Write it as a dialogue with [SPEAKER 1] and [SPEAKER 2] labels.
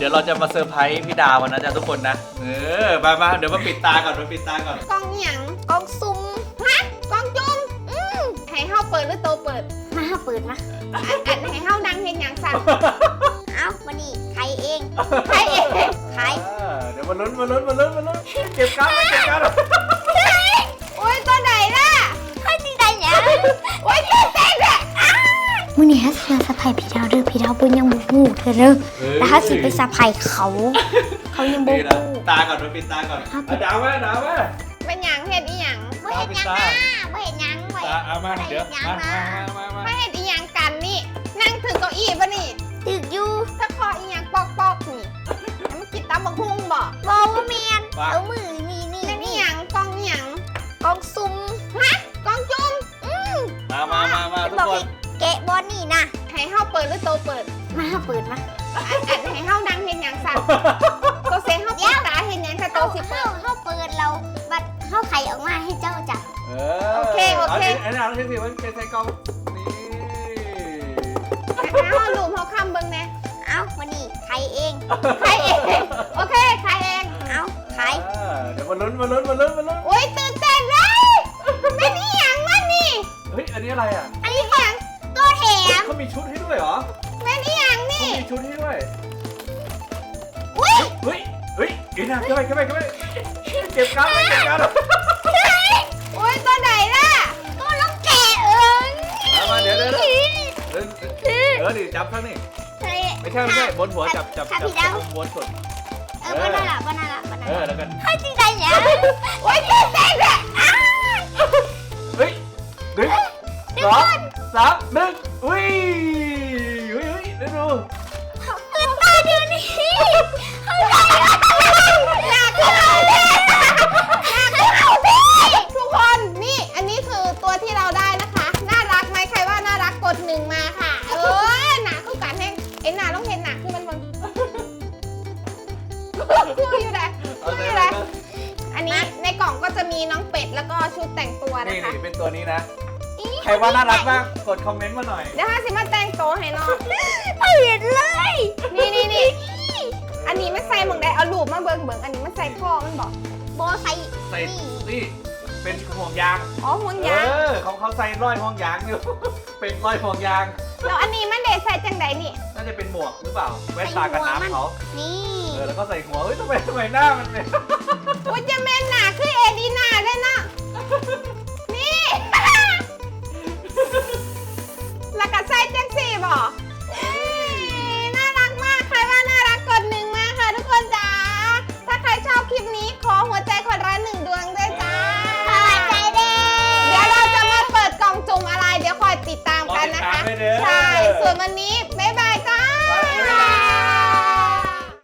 [SPEAKER 1] ดี๋ยวเราจะมาเซอร์ไพรส์พี่ดาวนะจ๊ะทุกคนนะมาเดี๋ยวมาปิดตาก่อน
[SPEAKER 2] กล้องหยังกล้องซุ่มฮะกล้องจุ่มให้เฮาเปิดหรือโตเปิดมาเฮาเปิดมาอันให้เฮาดังเห็นหยังสั่นเอ้าวันนี้ใครเองใคร
[SPEAKER 1] เดี๋ยวมาลุ้นเก็บการ์ด
[SPEAKER 2] โอ้ยตัวไหนล่ะใครจริงใจเนี่ยโอ้ยตัวเต็งอ่ะมื้อนี้ฮัสมาสะพายพี่ดาวเด้อพี่ดาวเพิ่นยังบ่ฮู้เธอเด้อแล้วฮัสสิไปสะพายเขายังบ่ฮู้
[SPEAKER 1] ตาก่อนปิดตาก่อนดาวมา
[SPEAKER 2] เป็นหยังเฮ็ดอีหยังบ่เฮ็ดหยังนะบ่เฮ็ดหยังบ่เฮ็ดหยังมาเดี๋ยวมาเฮ็ดอีหยังกันนี่นั่งถึงเก้าอี้ป่ะนี่ถึกอยู่ถ้าคออีหยังปอกนี่มันกินตำบักหุ่งบ่บ่ว่าแม่นเอามือนี่นี่หยังกล้องหยังกล้องซุ่มฮะกล้องจุ่ม
[SPEAKER 1] มาทุกคน
[SPEAKER 2] แกะบอลนี่นะให้เฮาเปิดหรือโตเปิดมาเฮาเปิดมาอันให้เฮาดังเห็นหยังสั่นโตเสียงเฮาปิดตาเห็นหยังค่ะโตสิเปิดเฮาเปิดเราบัดเฮาไขออกมาให้เจ้าจับโอเค
[SPEAKER 1] อันนี้เราเช็คสิว่าเป็นใส่กล้องนี่
[SPEAKER 2] เฮาลูมเฮาค้ำเบิ่งแน่เอ้าวันนี้ไขเองโอเคไขเองเอ้าไข
[SPEAKER 1] เดี๋ยวมาลุ้น
[SPEAKER 2] โอ้ยตื่นเต้นเลยเป็นอีหยังมันนี่
[SPEAKER 1] เฮ้ยอันนี้อะไรอ่ะ
[SPEAKER 2] อันนี้หยังตัวแถม
[SPEAKER 1] เขามีชุดให้ด้วยเหรอ
[SPEAKER 2] เป็นอีหยังนี่
[SPEAKER 1] มีชุดให้ด้วย
[SPEAKER 2] เฮ้
[SPEAKER 1] ยกินนะเข้าไปเก็บการ์ด
[SPEAKER 2] โอ้ยตัวไหนล่ะตัวลูกแกะ
[SPEAKER 1] มาเดี๋ยวดิจับทั้งนี่ไม่ใช่บนหัวจับบนสุด
[SPEAKER 2] บ้าน่ารัก
[SPEAKER 1] แล้วกัน
[SPEAKER 2] ให้จริงใจเนี่ยโอ้ยตื่นเต้นอ่ะ
[SPEAKER 1] เฮ้ย1 2 3 1อุ้ยดู
[SPEAKER 2] ตื่นตาเดี๋ยวนี้ทุกคนนี่อันนี้คือตัวที่เราได้นะคะน่ารักไหมใครว่าน่ารักกด1มาค่ะหนาคือการแห้งไอ้หนาต้องเห็นหนาคือมันคู่อยู่ไหนอันนี้ในกล่องก็จะมีน้องเป็ดแล้วก็ชุดแต่งตัวนะคะ
[SPEAKER 1] นี่เป็นตัวนี้นะใครว่าน่ารักบ้างกดคอมเมนต์มาหน่อย
[SPEAKER 2] เดี๋ยวสิมาแต่งตัวให้น้องเห็นเลยนี่อันนี้ไม่ใส่หมวกได้เอาลูกมาเบิ่งอันนี้มันใส่พ่อมันบอกโบใส่
[SPEAKER 1] นี่เป็นห่วงยาง
[SPEAKER 2] ห่วงยาง
[SPEAKER 1] เขาใส่ร้อยห่วงยางอยู่เป็นร้อยห่วงยาง
[SPEAKER 2] แล้วอันนี้มันเด็ดใส่จังไดนี่
[SPEAKER 1] น่าจะเป็นหมวกหรือเปล่าแว่นตากันน้ำเขา
[SPEAKER 2] นี่
[SPEAKER 1] แล้วก็ใส่หัวทำไมหน้ามันเนี่ย
[SPEAKER 2] ว่าจะแม่นหนาคือเอดีนาได้นะนี่แล้วก็ใส่จังสี่บอกน่ารักมากใครว่าน่ารักกด1มาค่ะทุกคนจ้าถ้าใครชอบคลิปนี้ขอหัวใจคนละ1 ดวงด้วยจ้าหัวใจเด้เดี๋ยวเราจะมาเปิดกล่องจุ่มอะไรเดี๋ยวคอยติดตามกันนะคะใช่ส่วนวันนี้